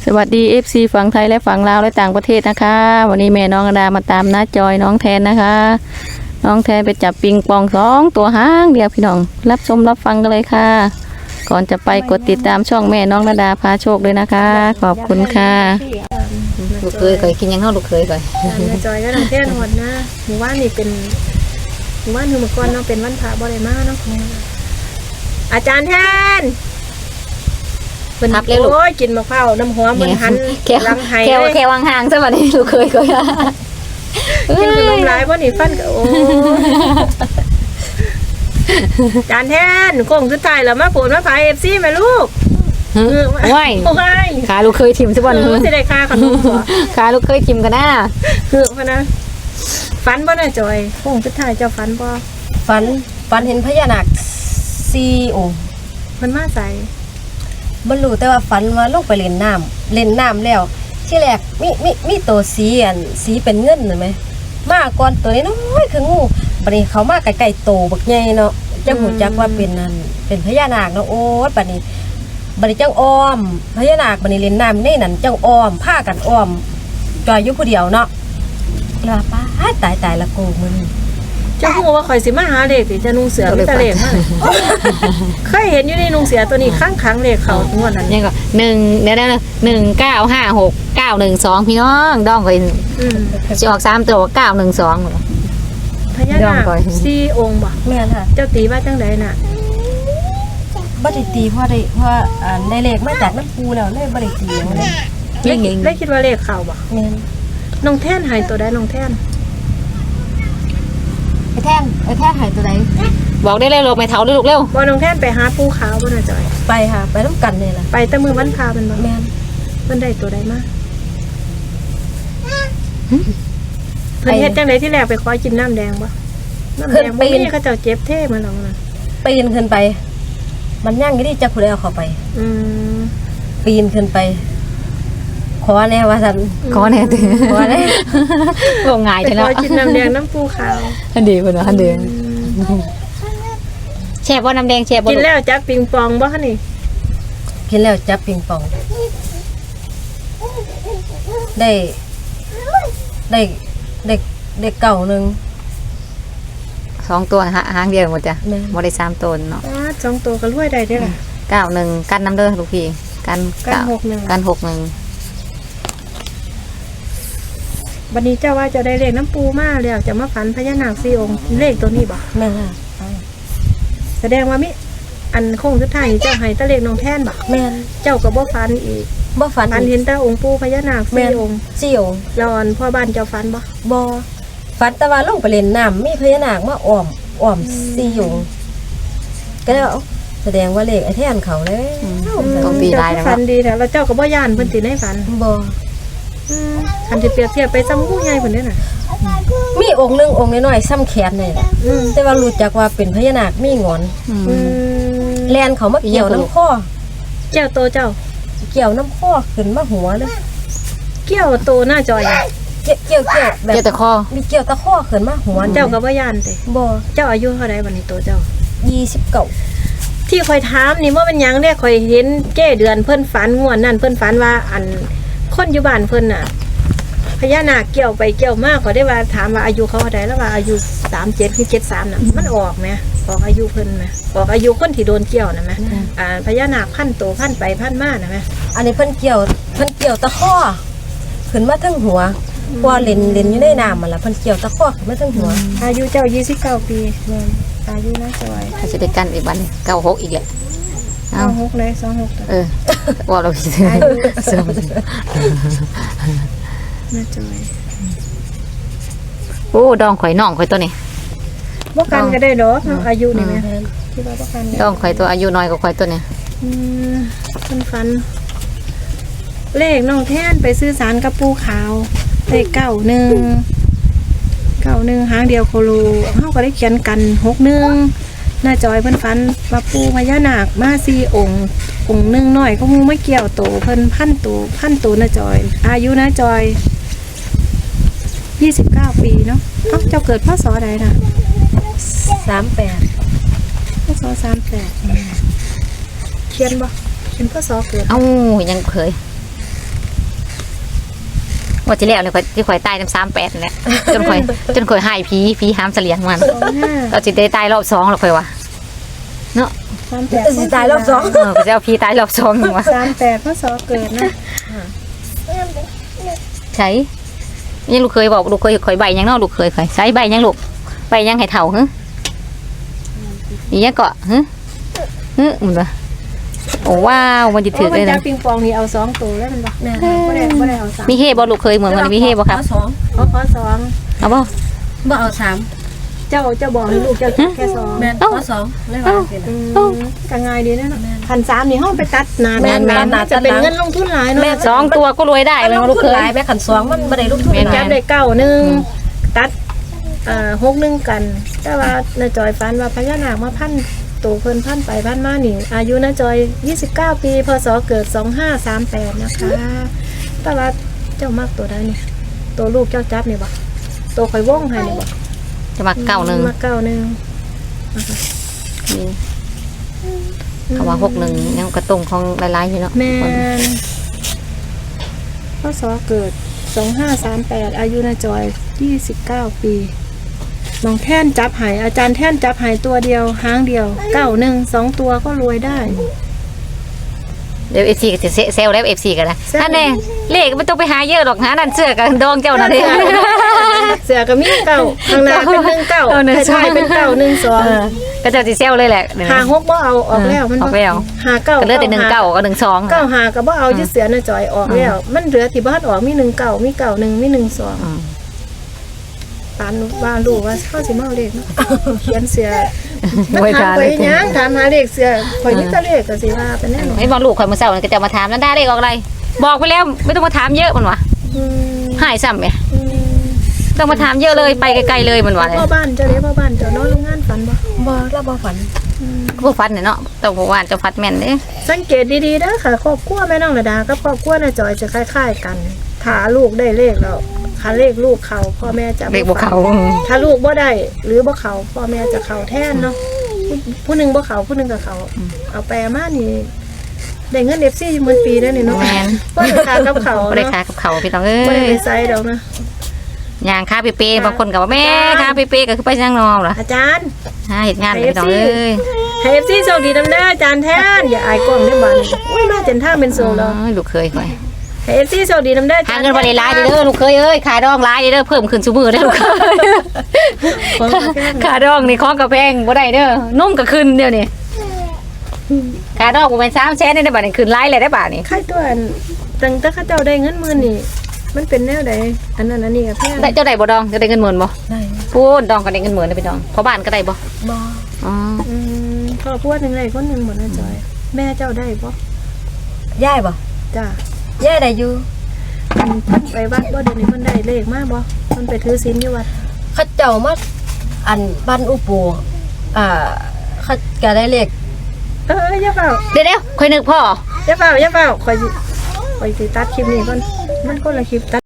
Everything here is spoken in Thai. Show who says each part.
Speaker 1: สวัสดี FC ฝั่งไทยและฝั่งลาวและต่างประเทศนะคะวันนี้แม่น้องอดามาตามน้าจอยน้องแทนนะคะน้องแทนไปจับปิงปอง2 ตัวห้างเดียวพี่น้องรับชมรับฟังกันเลยค่ะก่อนจะไปกดติดตามช่องแม่น้องอดาพาโชคเลยนะคะขอบคุณค่ะลูกเคยเคยกินยังเท่าลูกเคยเคย
Speaker 2: น้าจอยก็น้องแทนหดนะหมู่บ้านนี่เป็นหมู่บ้านคือเมื่อก่อนเนาะเป็นวันพระบ่ได้มาเนาะอาจารย์แทนเป็นทับเลยลูกโอ้ยกินมะพร้าวน้ำหอมมันหันลังไห้เลย
Speaker 1: แค่วางห่างซะบัดนี้ลูกเคยเคย
Speaker 2: กินขนมหลายบ่นี่ฟันก็โอ้อาจารย์แทนโค้งสุดท้ายแล้วมาโปรดมาพาย FC แม่ลูก
Speaker 1: ว้ายขาลูกเคยทิมซะบัดนี้
Speaker 2: สิได้ค่าขนมบ่
Speaker 1: ขาลูกเคยทิมกันนะ
Speaker 2: คือพะนะฝันบ่น่ะจอยโค้งสุดท้ายเจ้าฝันบ่
Speaker 3: ฝันเห็นพญานาค4 องค์
Speaker 2: เพิ่นมาใส่
Speaker 3: บ่รู้แต่ว่าฝันว่าลงไปเล่นน้ำแล้วที่แรกมีตัวสีเป็นเงินเห็นมั้ยมาก่อนตัวนี้น้อยคืองูบัดนี้เขามาใกล้ๆโตบักใหญ่เนาะจังหูจักว่าเป็นนั่นเป็นพญานาคเนาะโอ๊ยบัดนี้จังอ้อมพญานาคบัดนี้เล่นน้ำในนั้นจังอ้อมพากันอ้อมจอยอยู่ผู้เดียวเนาะแล้วป้าตายละโกมื้อนี้
Speaker 2: เจ้าฮู้ว่าข่อยสิมาหาเลขสิจะนุ่งเสือมีแต่เลขมาเคยเห็นอยู่ในนุ่งเสือตัวนี้ข้างเลขเขางวดนั้น
Speaker 1: ยังก็1เดี๋ยวนะ1956 912พี่น้องดองก็สิออก3ตัว912
Speaker 2: พญานาค4 องค์บ่
Speaker 3: แม่นค่ะ
Speaker 2: เจ้าตีว่าจังได๋น่ะ
Speaker 3: บ่ได้ตีเพราะได้เลขมาจากน้ำปูแล้วเลยบ่ได้ตีเลย
Speaker 2: ได้คิดว่าเลขเขาบ่
Speaker 3: แม่น
Speaker 2: น้องแท่นให้ตัวใดน้องแท่น
Speaker 3: ไอ้แท่นหายตัวไหน
Speaker 1: บอกได้เลยลูกไม่เท่าด้วยลูกเร็ว
Speaker 2: บ่น้องแท่นไปหาปูขาวบ่น่ะจอย
Speaker 3: ไปค่ะไปน้ำกันนี่แหละ
Speaker 2: ไปแต่มือวันพามันบ่
Speaker 3: แม่น
Speaker 2: เพิ่นได้ตัวใดมาเพิ่นเฮ็ดจังได๋ที่แรกไปขอกินน้ำแดงบ่น้ำแดงบ่มีเขาเจ้าเจ็บเท่มาแล้วน่ะ
Speaker 3: ปีนขึ้นไปมันย่างอยู่ที่จักผู้ใดเอาเข้าไปปีนขึ้นไปขอแน่ว่าซั่น
Speaker 1: ขอแน่ติ
Speaker 3: ขอแน่
Speaker 1: บ่ง่ายเด้อเนาะ
Speaker 2: ขอกินน้ำแดงน้ำปูขาว
Speaker 1: อันดีเพิ่นว่าอันดีแช่บ่น้ำแดงแช่บ่
Speaker 2: กินแล้วจับปิงปองบ่คะนี่
Speaker 3: กินแล้วจับปิงปองได้เก่านึง
Speaker 1: 2 ตัวหางเดียวหมดจ้ะบ่ได้3 ตัวเนาะ
Speaker 2: 2 ตัวก็รวยได้เด้อล่ะ
Speaker 1: 91กันน้ำเด้อลูกพี่กัน61กัน61
Speaker 2: บัดนี้เจ้าว่าจะได้เลขน้ำปูมาแล้วจะมาฝันพญานาค4 องค์เลขตัวนี้บ่
Speaker 3: แม่นค่ะ
Speaker 2: แสดงว่ามิอันโค้งสุดท้ายเจ้าให้ตะเลขน้องแท่นบ่
Speaker 3: แม่น
Speaker 2: เจ้าก็บ่ฝันอีก
Speaker 3: บ่ฝัน
Speaker 2: เห็นแต่องค์ปู่พญานาค4 องค์
Speaker 3: 4 องค์
Speaker 2: แล้วอันพ่อบ้านเจ้าฝันบ่
Speaker 3: ฝันแต่ว่าลงไปเล่นน้ำมีพญานาคมาอ้อม4 องค์ก็แล้วแสดงว่าเลขไอ้แท่นเขาเลย
Speaker 1: ต้องตีได้แล้ว
Speaker 2: ฝันดีแล้วเจ้าก็บ่ย่านเพิ่นสิในฝัน
Speaker 3: บ่
Speaker 2: คันสิเปรียบเทียบไปซ้ำงูใหญ่เพิ่นเด้น่ะ
Speaker 3: มีองค์นึงองค์น้อยๆซ้ำแขนนี่แหละแต่ว่ารู้จักว่าเป็นพญานาคมีงอนแล่นเขามาเกี่ยวน้ำข้อ
Speaker 2: เกี่ยวโตเจ้า
Speaker 3: เกี่ยวน้ำข้อขึ้นมาหัวเลย
Speaker 2: เกี่ยวโตหน้าจอย
Speaker 3: เกี่ยวแบบ
Speaker 1: เกี่ยวตะข้อ
Speaker 3: มีเกี่ยวตะข้อขึ้นมาหัว
Speaker 2: เจ้าก็บ่ย่านติ
Speaker 3: บ่
Speaker 2: เจ้าอายุเท่าใดบัดนี้โตเจ้า
Speaker 3: 29
Speaker 2: ที่ข่อยถามนี่ว่ามันหยังเด้ข่อยเห็นแก้เดือนเพิ่นฝันงวดนั้นเพิ่นฝันว่าอันคนอยู่บ้านเพิ่นน่ะพญานาคเกี่ยวไปเกี่ยวมาก็ได้ว่าถามว่าอายุเขาเท่าใดแล้วว่าอายุ37คือ73น่ะมันออกมั้ยออกอายุเพิ่นมั้ยออกอายุคนที่โดนเกี่ยวน่ะมั้ยพญานาคพันโตพันไปพันมาน่ะมั้ย
Speaker 3: อันนี้เพิ่นเกี่ยวตะข้อขึ้นมาทั้งหัวพอเล่นอยู่ในน้ำมันล่ะเพิ่นเกี่ยวตะข้อขึ้นมาทั้งหัว
Speaker 2: อายุเจ้า29 ปีแม่นอายุนะจอย
Speaker 1: ถ้าสิได้กันอีกบัดนี้96อีกแหละ
Speaker 2: 26เลย26
Speaker 1: ว่าเราสิ
Speaker 2: น่าจอย
Speaker 1: โอ้ดองข่อยน้องข่อยตัวนี้
Speaker 2: บ่กันก็ได้ดอกอายุนี่แม่ที่ว่าบ่กัน
Speaker 1: ดองข่อยตัวอายุน้อยกว่าข่อยตัวนี้
Speaker 2: เพิ่นฝันเลขน้องแท่นไปซื้อสารกับปูขาวเลข91หางเดียวโคโลเฮาก็ได้เขียนกัน61น้าจอยเพิ่นฝันว่าปูพญานาคมา4 องค์นึงน้อยก็มูไม่เกี่ยวโตเพิ่นพันโตน้าจอยอายุน้าจอย29 ปีเนาะเจ้าเกิดพศใดน่ะ
Speaker 3: 38
Speaker 2: พศ38เขียนบ่เขียนพศเกิด
Speaker 1: ยังเคย
Speaker 4: ว่าที่แล้วเลยที่ข่อยตายน้ำ38นั่นแหละจนข่อยหายผีหามเสลียงมัน
Speaker 2: 25
Speaker 4: ก็สิได้ตายรอบ2หรอกข่อยว่าเนาะ
Speaker 3: สิตายรอบสอง
Speaker 4: ก็จะเอาผีตายรอบ2นึงว่า
Speaker 2: 38พศเกิดนะ
Speaker 4: ใช่ยังลูกเคยบอกลูกเคยข่อยใบยังเนาะลูกเคยข่อยใช้ใบยังลูกใบยังให้เฒ่าหึอีหยังเกาะหึมันว่าโอ้ว้าวมันสิถึกเลย
Speaker 2: จั
Speaker 4: นะ
Speaker 2: บปิงปองนี่เอา2ตัวแล้วมันบ่
Speaker 3: แม่
Speaker 2: บ่ได้เอา3
Speaker 4: มีเฮบ่ลูกเคยเหมือนมันมีเฮบ่ครับ
Speaker 3: สอง
Speaker 2: ขอ2
Speaker 4: เอาบ่
Speaker 3: บ่เอาสาม
Speaker 2: เจ้าบอกให้ลูกเจ้าแค่2
Speaker 3: แม่นขอสองเลยว่าสินะ
Speaker 2: ก็ง่ายดีนะเนาะ1,300นี่เฮาไปตัดหน้า
Speaker 3: แม่น
Speaker 2: น่าจะเป็นเงินลงทุนหลายเนาะ
Speaker 4: 2ตัวก็รวยได้
Speaker 3: แต่
Speaker 4: เลย
Speaker 3: ลง
Speaker 4: ลูก
Speaker 3: ทุ
Speaker 4: เคน
Speaker 3: หลาย
Speaker 4: ย
Speaker 3: แม่ขันสองมันบ่ได้ลงทุนห
Speaker 2: จั
Speaker 3: ลา
Speaker 2: บ
Speaker 3: ย
Speaker 2: ได้9 ตัด6 กัน แต่ว่าน้าจอยฝันว่าพญานาคมาพันตัวเพิ่นพันไปพันมานี่อายุน้าจอย29 ปีพศเกิด2538นะคะแต่ว่าเจ้ามักตัวใดนี่ตัวลูกเจ้าจับนี่บ่ตัวข่อยวงให้นี่บ่
Speaker 4: จะมาเก้าหนึ่ง
Speaker 2: มา91
Speaker 4: นี่เขาว่า61ยังกระตรงของหลายๆอยู่เนาะ
Speaker 2: แม่นพศเกิด2538อายุน้าจอย29 ปีน้องแท่นจับหายอาจารย์แท่นจับหายตัวเดียวหางเดียว91 2ตัวก็รวยได้
Speaker 4: เดี๋ยว FC ก็จะเซลแล้ว FC ก็ได้
Speaker 2: แซว
Speaker 4: นั่นแน่เลขไม่ต้องไปหาเยอะหรอกหานั่นเสื้อกับดองเจ้านั่นเอง
Speaker 2: เสือก็มีเก้าข้างหน้าเป็น19
Speaker 4: เอา1
Speaker 2: ท้ายๆเป็น9
Speaker 4: ก็เจ้าสิเซลเลยแหละ
Speaker 2: 1 2หา6บ่เอาออกแล้วมัน
Speaker 4: ออกแล้ว
Speaker 2: หา9
Speaker 4: ก็เหลือแต่19กับ12
Speaker 2: 9หาก็บ่เอายึดเสือน่ะจอยออกแล้ว มันเหลือที่บ้านออกมี19มี91มี12ปานว่ารู้ว่าเขาสิมาเอาเลขเนาะเขียนเสือมันถามไปหยังถามหาเลขเสือข่อยมีแต่เลขก็สิว่าเป็นแน่นอน
Speaker 4: ไอ้บอกลูกข่อยมื้อเช้านี่ก็จะมาถามนั่นได้เลขออกอะไรบอกไปแล้วไม่ต้องมาถามเยอะมันว่ะ
Speaker 2: อืม
Speaker 4: หายซ้ำแหม
Speaker 2: อืม
Speaker 4: ต้องมาถามเยอะเลยไปไกลๆเลยมันว่ะเลย
Speaker 2: พ่อบ้านเจ้าเด้พ่อบ้านเจ้านอนโรงงานฝันบ่
Speaker 3: บ่เราบ่ฝัน
Speaker 4: ผู้ฟันเนี่ยเนาะต้องบอกว่าเจะฟัดแม่นเด้
Speaker 2: สังเกตดีๆนะค่ะครอบครัวแม่น้องระดากับครอบครัวน้าจอยจะคล้ายๆกันถ้าลูกได้เลขแล้วถ้าเลขลูกเขาพ่อแม่จะ
Speaker 4: เลขบ่เขา
Speaker 2: ถ้าลูกบ่ได้ หรือบ่เขาพ่อแม่จะเขาแทนเนาะผู้หนึงบ่เขาผู้หนึงก็เขาเอาแปลมานี่ได้เงิน FC อยู่หมื่นปีแล้วนี่เนาะ
Speaker 4: แม่น
Speaker 2: บ่ได้ค่ากับเขา
Speaker 4: บ่ได้
Speaker 2: เนาะ
Speaker 4: ค้ากับเขาพี่น้องเอ้
Speaker 2: บ่ได้
Speaker 4: ย
Speaker 2: ไปไสดอกนะ
Speaker 4: ย่างค้าเปๆบางคนก็ว่าแม่ค้าเปๆก็คือไปย่างนองล่ะ
Speaker 2: อาจารย์
Speaker 4: หาเฮ็ดงานเลยพี่น้องเอ้ย
Speaker 2: ให้ FC โชคดีนำเด้ออาจารย์แทนอย่าอายกล้องเด้อบัดนี้อุ้ยมาจนทางเป็นโซแล้ว
Speaker 4: ลูกเคยข่อย
Speaker 2: ให้ FC โชคดีนำเด้ออาจา
Speaker 4: หาร
Speaker 2: ย์
Speaker 4: เงินบ่ได้หลายเด้อลูกเคยเอ้ยขายดองหลายเด้อเพิ่มขึ้นซุมื้อเด้อลูกเคย
Speaker 2: ของกาแฟ
Speaker 4: ขาดองนี่ของกระแพงบ่ได้เด้อนุ่มก็ขึ้นเดี๋ยวนี้ขาดองบ่แม่น3แสนได้บัดนี้ขึ้นหลายเลยได้บาดนี้
Speaker 2: ใครตัวอันตั้งแต่เขาเจ้าได้เงินหมื่นนี่มันเป็นแนวใดอันนั้นอันนี้ก็แพง
Speaker 4: ได้เจ้าได้บ่ดองเจ้าได้เงินหมื่นบ่
Speaker 3: ได้
Speaker 4: พูดดองก็ได้เงินหมื่นนะพี่น้องเพราะบ้านก็ได้บ่
Speaker 3: บ่
Speaker 4: อ๋อ
Speaker 2: ครอบครัวหนึงได้คนหนึงหมดนะจอย แม่เจ้าได้บ่
Speaker 3: ย้ายบ่
Speaker 2: จ้า
Speaker 3: ย้ายได้อยู่
Speaker 2: เพิ่นไปวัดบ่เดี๋ยวนี้เพิ่นได้เลขมาบ่เพิ่นไปถือศีลอยู่วัด
Speaker 3: เขาเจ้ามาอันบ้านอุปูเขาก็ได้เลข
Speaker 2: อย่าเฝ้า
Speaker 4: เดี๋ยวค่อยนึกพ่อ
Speaker 2: อย่าเฝ้าข่อยสิตัดคลิปนี้ก่อนมันคนละคลิปตัด